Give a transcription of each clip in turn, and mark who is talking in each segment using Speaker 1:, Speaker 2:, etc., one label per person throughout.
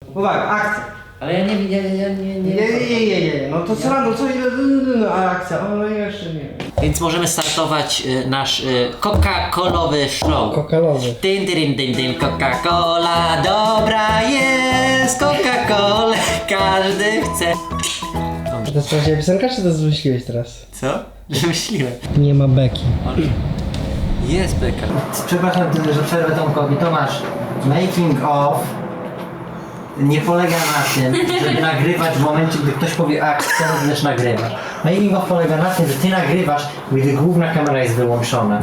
Speaker 1: Uwaga, akcja.
Speaker 2: Ale ja nie.
Speaker 1: Nie. No to co rano, akcja, o no jeszcze nie.
Speaker 2: Więc możemy startować nasz Coca-Colowy show.
Speaker 1: Kokalowy.
Speaker 2: Dyn, Coca-Cola dobra jest, Coca-Colę każdy chce.
Speaker 1: To jest prawdziwa piosenka, czy to wymyśliłeś teraz?
Speaker 2: Co? Wymyśliłem.
Speaker 1: Nie ma beki.
Speaker 2: Jest beka. Przepraszam, że przerwę Tomkowi. Tomasz, making of nie polega na tym, żeby nagrywać w momencie, gdy ktoś powie akcja, też nagrywasz. Making of polega na tym, że ty nagrywasz, gdy główna kamera jest wyłączona.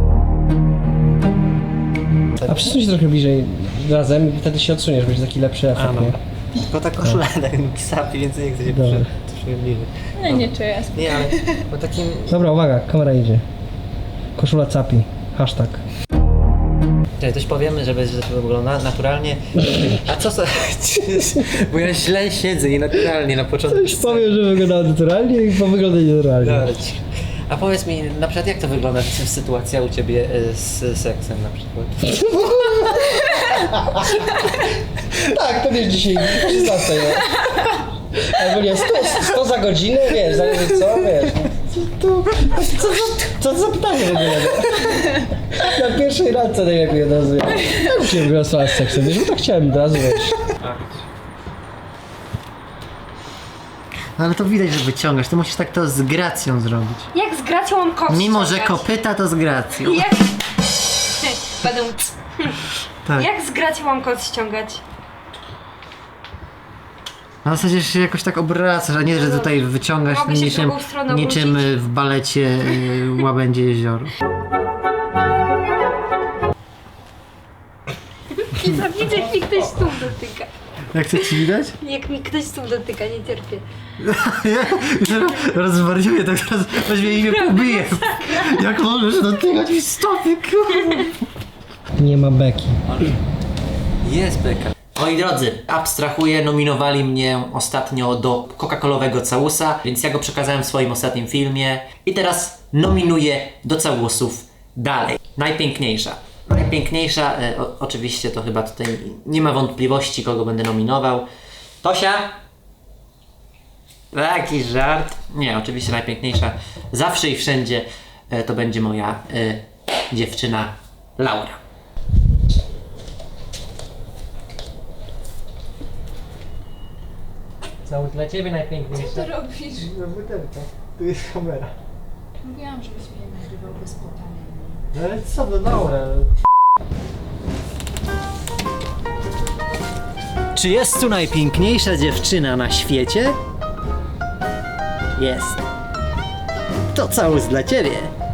Speaker 1: A przesuń się trochę bliżej razem i wtedy się odsuniesz, będzie taki lepszy efekt, nie?
Speaker 2: Tylko ta koszula tak sapi, więc nie chcę się troszkę bliżej.
Speaker 3: No nie czuję.
Speaker 2: Nie, ale po takim...
Speaker 1: Dobra, uwaga, kamera idzie. Koszula capi. Hashtag.
Speaker 2: Coś powiemy, żeby to wygląda naturalnie. A co za... Bo ja źle siedzę i naturalnie na początku.
Speaker 1: Już powiem, że wygląda naturalnie i wygląda nienaturalnie.
Speaker 2: Dobra, a powiedz mi, na przykład jak to wygląda sytuacja u ciebie z seksem na przykład?
Speaker 1: Tak, to wiesz dzisiaj 16, nie? Albo nie, 100 za godzinę, wiesz, zależy co, wiesz. Co za pytanie w ogóle? Na pierwszej randce najlepiej od razu. Ja się wygrała z seksem, wiesz, bo tak chciałem od razu, wiesz.
Speaker 2: No ale to widać, że wyciągasz, ty musisz tak to z gracją zrobić.
Speaker 3: Jak z gracją mam kot
Speaker 2: Mimo, że
Speaker 3: ściągać?
Speaker 2: kopyta, to z gracją.
Speaker 3: Jak... Będę...
Speaker 2: Tak.
Speaker 3: Jak z gracją mam kot ściągać?
Speaker 2: Na zasadzie się jakoś tak obracasz, a nie, że tutaj wyciągasz
Speaker 3: Mogę się
Speaker 2: niczym,
Speaker 3: drugą stroną
Speaker 2: niczym
Speaker 3: obrócić?
Speaker 2: w balecie Łabędzie Jezioro.
Speaker 3: I widzę, jak mi ktoś stóp dotyka.
Speaker 2: Jak to ci widać?
Speaker 3: Jak mi ktoś stóp dotyka, nie cierpię.
Speaker 2: Rozwariuję, tak teraz weźmie i mnie pobije. Jak możesz dotykać mi stopy, kurwa.
Speaker 1: Nie ma beki.
Speaker 2: Jest beka. Moi drodzy, abstrahuję, nominowali mnie ostatnio do Coca-Colowego całusa, więc ja go przekazałem w swoim ostatnim filmie. I teraz nominuję do całusów dalej. Najpiękniejsza. Najpiękniejsza, oczywiście to chyba tutaj nie ma wątpliwości, kogo będę nominował. Tosia? Taki żart. Nie, oczywiście najpiękniejsza. Zawsze i wszędzie to będzie moja dziewczyna Laura. Całus dla ciebie najpiękniejsza.
Speaker 3: Co ty robisz?
Speaker 2: No butelka. Tu jest kamera.
Speaker 3: Mówiłam, żebyś mnie nagrywał bez potania.
Speaker 2: No ale co, no Laura. Czy jest tu najpiękniejsza dziewczyna na świecie? Jest. To całus dla ciebie.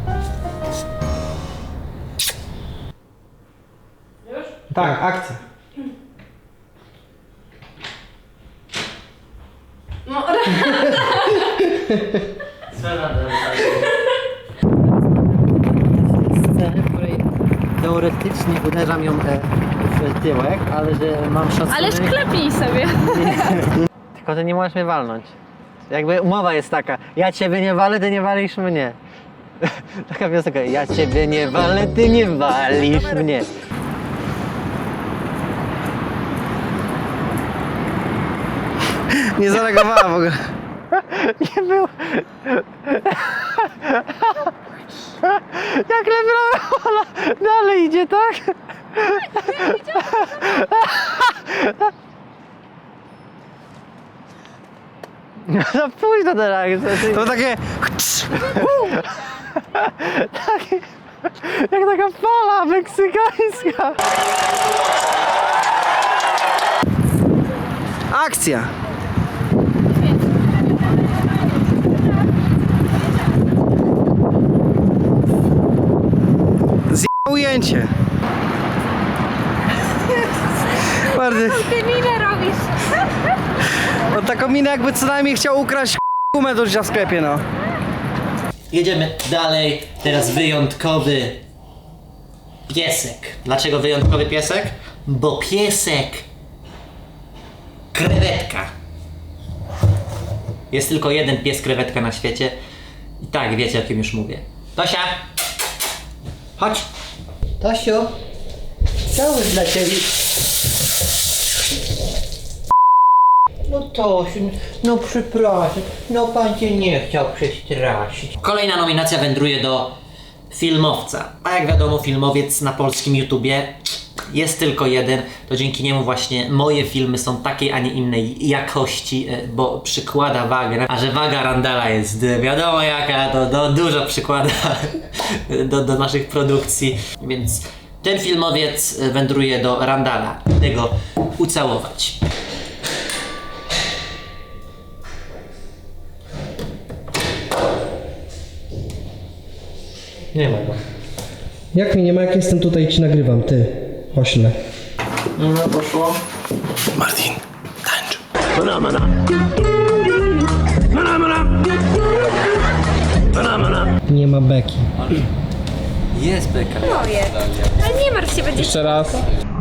Speaker 1: Tak, akcja.
Speaker 3: No,
Speaker 2: Scenę, w której teoretycznie uderzam ją w tyłek, ale że mam szacunek.
Speaker 3: ale klepnij sobie.
Speaker 2: Tylko ty nie możesz mnie walnąć. Jakby umowa jest taka, ja ciebie nie walę, ty nie walisz mnie. Taka piosenka, ja ciebie nie walę, ty nie walisz mnie.
Speaker 1: Nie zareagowała w ogóle.
Speaker 2: Nie było. Jak Lebrola dalej idzie, tak? No za późno teraz.
Speaker 1: To takie...
Speaker 2: Takie, jak taka fala meksykańska.
Speaker 1: Akcja! Ujęcie. Bardzo.
Speaker 3: Ty minę robisz.
Speaker 1: No taką minę jakby co najmniej chciał ukraść gumę do życia w sklepie, no.
Speaker 2: Jedziemy dalej. Teraz wyjątkowy piesek. Dlaczego wyjątkowy piesek? Bo piesek krewetka. Jest tylko jeden pies krewetka na świecie. I tak, wiecie o kim już mówię. Tosia! Chodź! Tosiu! Całus dla ciebie! No Tosiu, no przepraszam, no pan cię nie chciał przestraszyć. Kolejna nominacja wędruje do filmowca. A jak wiadomo, filmowiec na polskim YouTubie jest tylko jeden, to dzięki niemu właśnie moje filmy są takiej, a nie innej jakości, bo przykłada wagę, a że waga Randala jest wiadomo jaka, to dużo przykłada do naszych produkcji, więc ten filmowiec wędruje do Randala, tego ucałować. Nie ma go.
Speaker 1: Jak mnie nie ma, jak jestem tutaj i ci nagrywam, ty, ośle.
Speaker 2: No poszło.
Speaker 4: Martin, tańcz.
Speaker 1: Nie ma beki.
Speaker 2: Jest beka.
Speaker 3: Moje. Ale nie martw się, będzie...
Speaker 4: Jeszcze raz.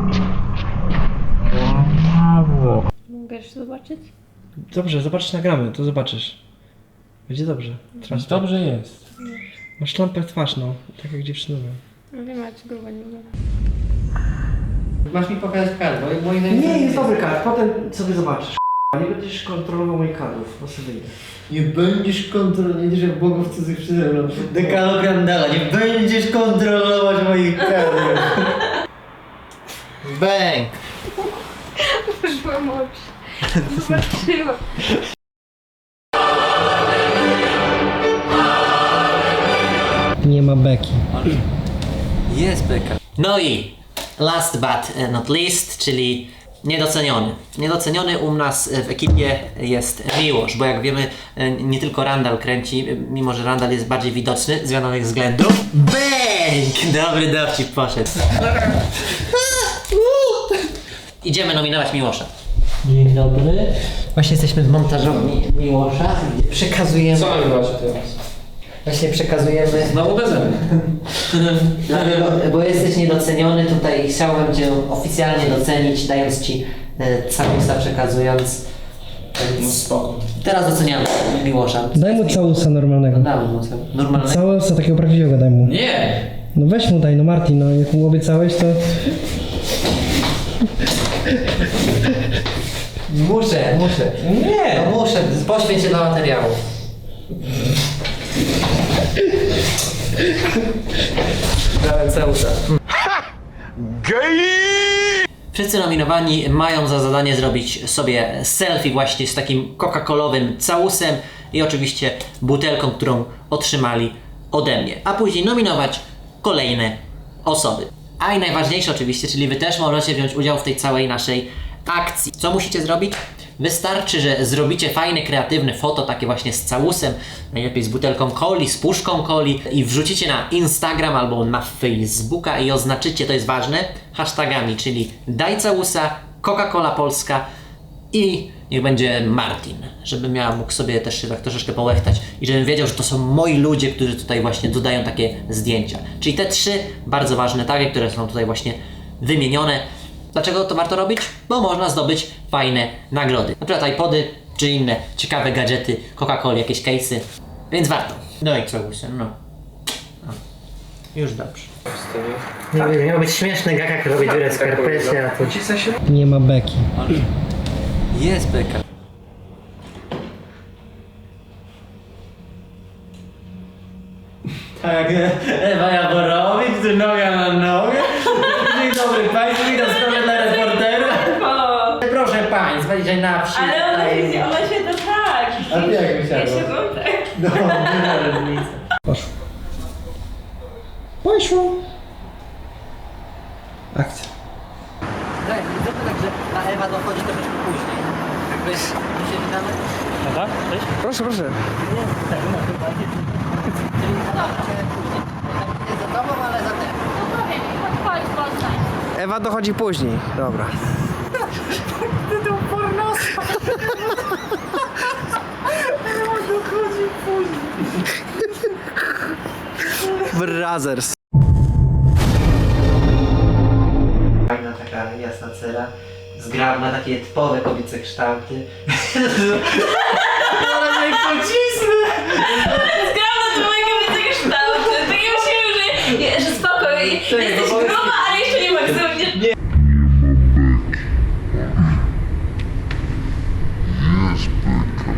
Speaker 3: Mogę już zobaczyć?
Speaker 1: Dobrze, zobaczysz, nagramy, to zobaczysz. Będzie dobrze. Teraz
Speaker 4: Dobrze jest.
Speaker 1: masz lampę w twarz, no, tak jak dziewczynowe.
Speaker 3: No wiem, ale czy grubo nie było.
Speaker 2: Masz mi pokazać kadr, bo
Speaker 1: Nie, jest dobry kadr, potem sobie zobaczysz. Nie będziesz kontrolował moich kadrów, bo sobie wyjdę.
Speaker 2: Nie będziesz kontrolować, nie będziesz jak bogów cudzych przede mną. Dekalog Randala, nie będziesz kontrolować moich kadrów. Bęk!
Speaker 3: Użyłam oczy. Zobaczyłam.
Speaker 1: Nie ma beki.
Speaker 2: Jest beka. No i last but not least, czyli niedoceniony. Niedoceniony u nas w ekipie jest Miłosz, bo jak wiemy, nie tylko Randal kręci, mimo że Randal jest bardziej widoczny z wiadomych względów. Bęk! Dobry dowcip poszedł. Idziemy nominować Miłosza. Dzień dobry. Właśnie jesteśmy w montażowni Miłosza, gdzie przekazujemy...
Speaker 4: Co nagrywacie teraz?
Speaker 2: Właśnie przekazujemy...
Speaker 4: Znowu beze mnie.
Speaker 2: Dlatego, bo jesteś niedoceniony, tutaj chciałem Cię oficjalnie docenić, dając Ci całusa, przekazując.
Speaker 4: No
Speaker 2: Więc
Speaker 4: spoko.
Speaker 2: teraz doceniamy Miłosza.
Speaker 1: Daj mu całusa normalnego.
Speaker 2: Damy mu normalnego.
Speaker 1: Całusa takiego prawdziwego daj mu.
Speaker 4: Nie!
Speaker 1: No weź mu daj, no Martin, no jak mu obiecałeś, to...
Speaker 2: Muszę.
Speaker 1: Nie!
Speaker 2: No muszę, poświęć się dla materiału. Dałem całusa. Wszyscy nominowani mają za zadanie zrobić sobie selfie właśnie z takim coca-colowym całusem i oczywiście butelką, którą otrzymali ode mnie. A później nominować kolejne osoby. A i najważniejsze oczywiście, czyli Wy też możecie wziąć udział w tej całej naszej akcji. Co musicie zrobić? Wystarczy, że zrobicie fajne, kreatywne foto, takie właśnie z całusem, najlepiej z butelką coli, z puszką coli i wrzucicie na Instagram albo na Facebooka i oznaczycie, to jest ważne, hashtagami, czyli daj całusa, Coca-Cola Polska i niech będzie Martin, żebym ja mógł sobie też się tak troszeczkę połechtać i żebym wiedział, że to są moi ludzie, którzy tutaj właśnie dodają takie zdjęcia. Czyli te 3 bardzo ważne tagi, które są tutaj właśnie wymienione. Dlaczego to warto robić? Bo można zdobyć fajne nagrody. Na przykład iPody, czy inne ciekawe gadżety, Coca-Coli, jakieś case'y. Więc warto. No i co łysy, no. Już dobrze. Nie wiem, miał być śmieszny gag, jak robić dziurę w skarpecie, a tu...
Speaker 1: Nie ma beki.
Speaker 2: Jest beka. Tak, Ewa Jaborowicz, tu noga na nogę. Dzień dobry Państwu, witam sprawę dla reportera. Proszę Państwa, dzisiaj na wsi.
Speaker 3: Ale ona się to tak.
Speaker 2: A ty jak myślałeś?
Speaker 3: Ja się to tak.
Speaker 2: No, nie ma różnicy.
Speaker 1: Poszło. Poszło. Akcja.
Speaker 2: Tak, zróbmy tak, że ta Ewa dochodzi troszeczkę później. Jakbyś my się witamy.
Speaker 4: No tak? Cześć.
Speaker 1: Proszę, proszę.
Speaker 2: Nie, tak, no chyba nie. Czyli zobaczcie później. Tak, nie za tobą, ale za tym.
Speaker 3: No powiem, chodź, poznań.
Speaker 1: Ewa dochodzi później. Dobra.
Speaker 3: Ty tą pornoską. Dochodzi później.
Speaker 1: Brothers.
Speaker 2: Fajna taka jasna cera, zgrabna, takie typowe kobiece kształty. Zaraz jak pocisnę!
Speaker 3: Zgrałam do twojego kształtu. Tak ja myślałam, że spoko.
Speaker 2: Czekaj, bo